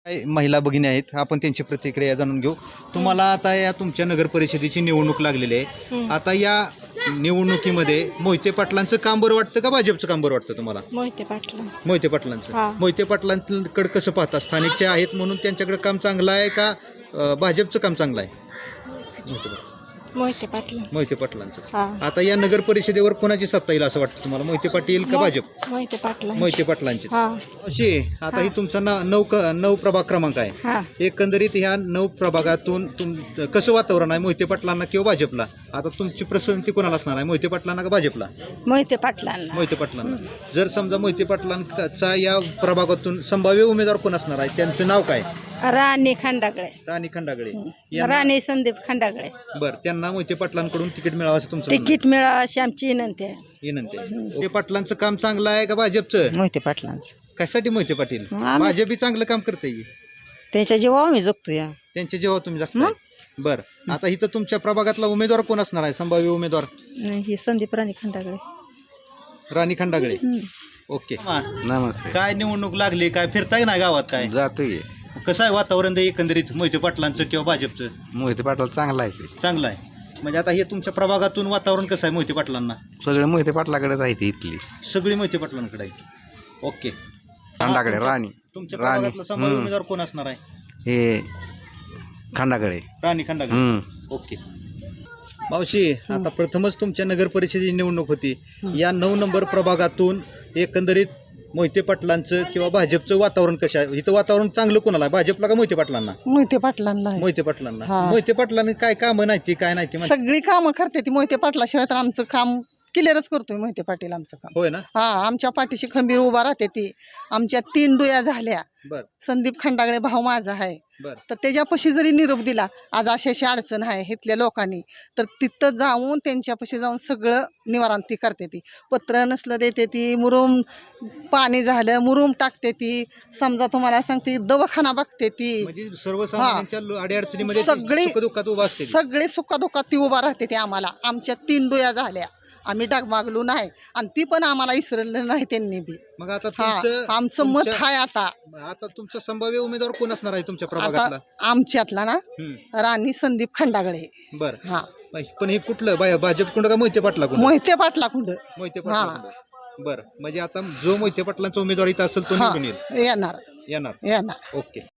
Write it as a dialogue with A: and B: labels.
A: काही महिला भगिनी आहेत, आपण त्यांची प्रतिक्रिया जाणून घेऊ. तुम्हाला आता या तुमच्या नगर परिषदेची निवडणूक लागलेली आहे. आता या निवडणुकीमध्ये मोहिते पाटलांचं काम बरं वाटतं का भाजपचं काम बरं वाटतं तुम्हाला?
B: मोहिते पाटलांचं.
A: मोहिते पाटलांचं. मोहिते पाटलांकडे कसं पाहता? स्थानिकचे आहेत म्हणून त्यांच्याकडे काम चांगलं आहे का भाजपचं काम चांगलं आहे?
B: मोहिते पाटील.
A: मोहिते पाटलांचं. आता या नगर परिषदेवर कोणाची सत्ता येईल असं वाटतं तुम्हाला? मोहिते पाटील का भाजप?
B: मोहिते पाटील.
A: मोहिते पाटलांची. अशी आता ही तुमचा 9 प्रभाग क्रमांक आहे. एकंदरीत ह्या 9 प्रभागातून कसं वातावरण आहे मोहिते पाटलांना किंवा भाजपला? आता तुमची पसंती कोणाला असणार आहे, मोहिते पाटलांना का भाजपला?
B: मोहिते पाटलांना.
A: मोहिते पाटलांना. जर समजा मोहिते पाटलांचा या प्रभागातून संभाव्य उमेदवार कोण असणार आहे, त्यांचं नाव काय?
B: राणी खंडागळे.
A: राणी खंडागळे.
B: राणी संदीप खंडागळे.
A: बरं, त्यांना मोहिते पाटलांकडून तिकीट मिळावं असं तुमचं?
B: तिकीट मिळावं अशी आमची विनंती आहे.
A: मोहिते पाटलांचं काम चांगलं आहे का भाजपचं?
B: मोहिते पाटलांचं.
A: कशासाठी मोहिते पाटील? भाजप चांगलं काम करते.
B: त्याच्या जेव्हा आम्ही जगतो या
A: त्यांच्या जेव्हा तुम्ही जगता. बरं, आता इथं तुमच्या प्रभागातला उमेदवार कोण असणार आहे, संभाव्य उमेदवार?
B: ही संदीप राणी खंडागळे.
A: राणी खंडागळे. ओके.
C: नमस्ते.
A: काय निवडणूक लागली, काय फिरताय ना गावात? काय
C: जातोय.
A: कसं आहे वातावरण एकंदरीत मोहिते पाटलांचं किंवा भाजपचं?
C: मोहिते पाटला चांगला आहे ते.
A: चांगलं आहे. म्हणजे आता हे तुमच्या प्रभागातून वातावरण कसं आहे मोहिते पाटलांना?
C: सगळे मोहिते पाटलाकडेच आहे ती इथली.
A: सगळी मोहिते पाटलांकडे आहे. ओके.
C: खंडाकडे राणी.
A: तुमच्या प्रभागातला संभाव्य उमेदवार कोण असणार आहे?
C: हे खंडाकडे.
A: राणी खंडागळे. ओके. मावशी, आता प्रथमच तुमच्या नगर परिषदेची निवडणूक होती. या 9 नंबर प्रभागातून एकंदरीत मोहिते पाटलांचं किंवा भाजपचं वातावरण कसं आहे? इथं वातावरण चांगलं कोणाला आहे, भाजपला का मोहिते पाटलांना?
D: मोहिते पाटलांना.
A: मोहिते पाटलांना. मोहिते पाटलांनी काय कामं नाही ती काय नाही ती
D: सगळी कामं करते ती मोहिते पाटलाशिवाय तर आमचं काम क्लिअरच करतोय मोहिते पाटील आमचं काम.
A: होय ना?
D: आमच्या पाठीशी खंबीर उभा राहते ती. आमच्या 3 डोया झाल्या.
A: बर.
D: संदीप खंडागळे भाऊ माझा आहे.
A: बर.
D: तर त्याच्यापाशी जरी निरोप दिला आज अशी अडचण आहे इथल्या लोकांनी, तर तिथं जाऊन त्यांच्यापाशी जाऊन सगळं निवारण ती करते ती. पत्र नसलं देते ती, मुरुम पाणी झालं मुरुम टाकते ती. समजा तुम्हाला सांगते दवाखाना बघते ती.
A: म्हणजे सर्वसामान्यांच्या अडीअडचणीमध्ये
D: सगळी
A: सुखदुःखात उभा असते.
D: सगळे सुखादुखात ती उभा राहते ती आम्हाला. आमच्या 3 डोया झाल्या, आम्ही डगमागलो नाही आणि ती पण आम्हाला इसरलं नाही त्यांनी बी.
A: मग आता
D: आमचं मत आहे.
A: आता तुमचा संभाव्य उमेदवार कोण असणार आहे तुमच्या प्रभागातला?
D: आमच्यातला ना राणी संदीप खंडागळे.
A: बरं. पण हे कुठलं भाजप कुंड का मोहिते पाटला कुंड?
D: मोहिते पाटला कुंड.
A: मोहिते पाटला. बरं, म्हणजे आता जो मोहिते पाटलांचा उमेदवार इथं असेल तो निवडून
D: येणार.
A: येणार.
D: ओके.